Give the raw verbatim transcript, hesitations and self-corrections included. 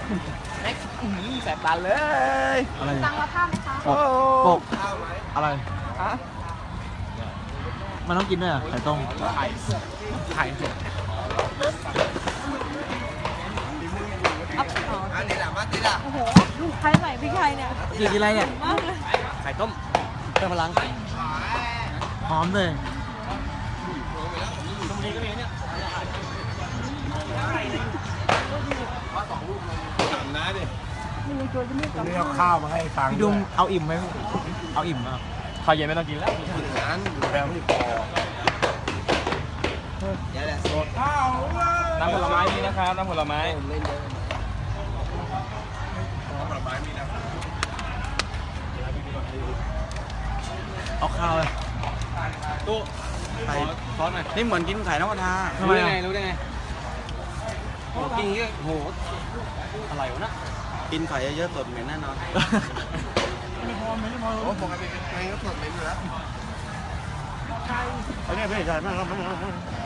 แม็กแสบตาเลยอะไรตังค์ละผ้าไหมคะปกปกอะไรฮะมันต้องกินด้วยอ่ะไข่ต้มไข่ไข่อันนี้แหละมาติละโอ้โหใครใส่พริกไทยเนี่ยกินอะไรเนี่ยมากเลยไข่ต้มเพิ่มพลังหอมเลยตรงนี้ก็มีเนี่ยนี่เอาข้าวมาให้ฟังพี่ดุงเอาอิ่มไหมเอาอิ่มอ่ะข้าวเย็นไม่ต้องกินแล้วนั้นแปลไม่พอน้ำผลไม้มีนะครับน้ำผลไม้เอาข้าวเลยตู้ไข่ซอสหน่อยนี่เหมือนกินไข่นกกระทารู้ได้ไงรู้ได้ไงโอ้กินเยอะโหอะไรวะนะกินไข่เยอะๆสดเหม็นแน่นอนโอ้ปกติไงก็สดเลยอยู่แล้วเอาเนี่ยพี่ใหญ่มากครับ